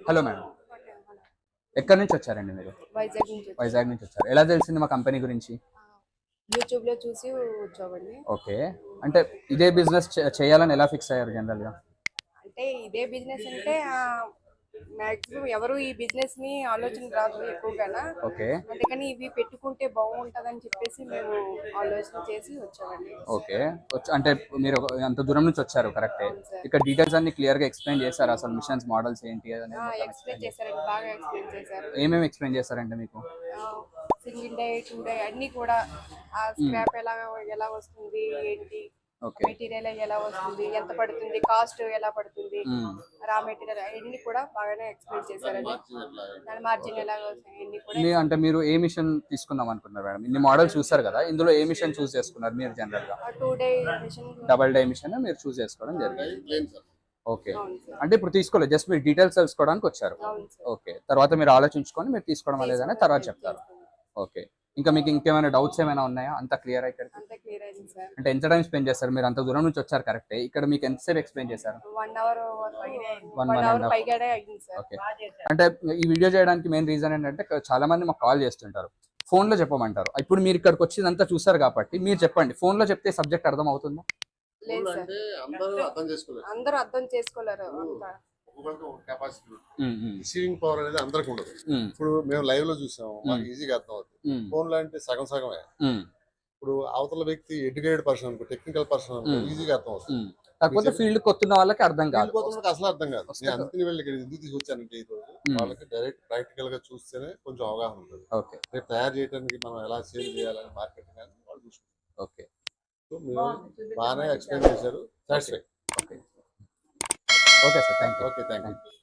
Hello madam, ఎక్కడి నుంచి వచ్చారండి మీరు? వైజాగ్ నుంచి వచ్చాం. వైజాగ్ నుంచి వచ్చారు. ఎలా తెలిసింది మా కంపెనీ గురించి? యూట్యూబ్ లో చూసి వచ్చామండి. ఓకే. అంటే ఇదే బిజినెస్ చేయాలని ఎలా ఫిక్స్ అయ్యారు జనరల్గా? అంటే ఇదే బిజినెస్ అంటే మాక్సిమం ఎవరు ఈ బిజినెస్ ని ఆలోచన రాదు ఎక్కువగా. ఓకే. అందుకని ఇవి పెట్టుకుంటే బాగుంటదని చెప్పేసి మేము ఆలోచన చేసి వచ్చామండి. ఓకే. అంటే మీరు అంత దూరం నుంచి వచ్చారు, కరెక్టే. అవును సార్. ఇక్కడ డీటెయిల్స్ అన్ని క్లియర్ గా ఎక్స్ప్లెయిన్ చేశారు, అసలు మిషన్స్ మోడల్స్ ఏంటి అనేది మొత్తం ఎక్స్ప్లెయిన్ చేశారండి, బాగా ఎక్స్ప్లెయిన్ చేశారు. ఏమేమి ఎక్స్ప్లెయిన్ చేశారంటే మీకు? సింగిల్ డే 2 డే అన్ని కూడా ఆ స్క్రాప్ ఎలా ఎలా వస్తుంది ఏంటి, ఓకే. మెటీరియల్ ఎలా వస్తుంది, ఎంత పడుతుంది, కాస్ట్ ఎలా పడుతుంది, రా మెటీరియల్ అన్ని కూడా బాగానే ఎక్స్ప్లెయిన్ చేశారండి. దాని మార్జిన్ ఎలా అన్ని కూడా. అంటే మీరు ఏ మిషన్ తీసుకుందాం అనుకున్నారు మేడం? ఇన్ని మోడల్స్ చూసారు కదా, ఇందులో ఏ మిషన్ చూస్ చేసుకున్నారు మీరు జనరల్ గా? 2 day machine, double die machine మీరు చూస్ చేసుకోవడం జరిగింది. ఓకే. అవును సార్. అంటే ఇప్పుడు తీసుకోలేదు, జస్ట్ మీరు డీటెయిల్స్ తెలుసుకోవడానికి వచ్చారు. అవును సార్. ఓకే. తర్వాత మీరు ఆలోచించుకొని మీరు తీసుకోవడం లేదని తర్వాత చెప్తారు. ఓకే. ఇంకా మీకు ఇంకేమైనా డౌట్స్ ఏమైనా ఉన్నాయా? అంత క్లియర్ ఇక్కడ? అంతా క్లియర్ అయింది సార్. అంటే ఎంత టైం స్పెండ్ చేస్తారు మీరు? అంత దూరం నుంచి వచ్చారు, కరెక్టే. ఇక్కడ మీకు ఎంతసేపు ఎక్స్ప్లెయిన్ చేశారు? 1 అవర్ 1 అవర్ పైగానే అయింది సార్. ఓకే. అంటే ఈ వీడియో చేయడానికి మెయిన్ రీజన్ ఏంటంటే చాలా మంది మాకు కాల్ చేస్తుంటారు, ఫోన్ లో చెప్పమంటారు. ఇప్పుడు మీరు ఇక్కడికి వచ్చిందంతా చూసారు కాబట్టి మీరు చెప్పండి, ఫోన్ లో చెప్తే సబ్జెక్ట్ అర్థం అవుతుందా? లేదు సార్, అందరూ అర్థం చేసుకోలేరు. రిసీవింగ్ పవర్ అనేది అందరికి ఉండదు. ఇప్పుడు మేము లైవ్ లో చూసాము, మాకు ఈజీగా అర్థం అవుతుంది. ఫోన్ లో అంటే సగం సగమే. ఇప్పుడు అవతల వ్యక్తి ఎడ్యుకేటెడ్ పర్సన్ అనుకో, టెక్నికల్ పర్సన్ అనుకో, ఈజీగా అర్థం అవుతుంది. కాకపోతే ఫీల్డ్ కొత్తున్న వాళ్ళకి అర్థం కాదు, అసలు అర్థం కాదు. నేను అందుకని వెళ్ళి ఇక్కడ ఎందుకు తీసుకొచ్చానంటే ఈ రోజు వాళ్ళకి డైరెక్ట్ ప్రాక్టికల్ గా చూస్తేనే కొంచెం అవగాహన ఉంటుంది. ఓకే. రేపు తయారు చేయడానికి మనం ఎలా సేల్ చేయాలని మార్కెటింగ్ అని వాళ్ళు చూసుకుంటారు. ఓకే. సో మీరు బాగానే ఎక్స్ప్లెయిన్ చేశారు. Satisfy. Okay sir, thank you. Okay, thank you.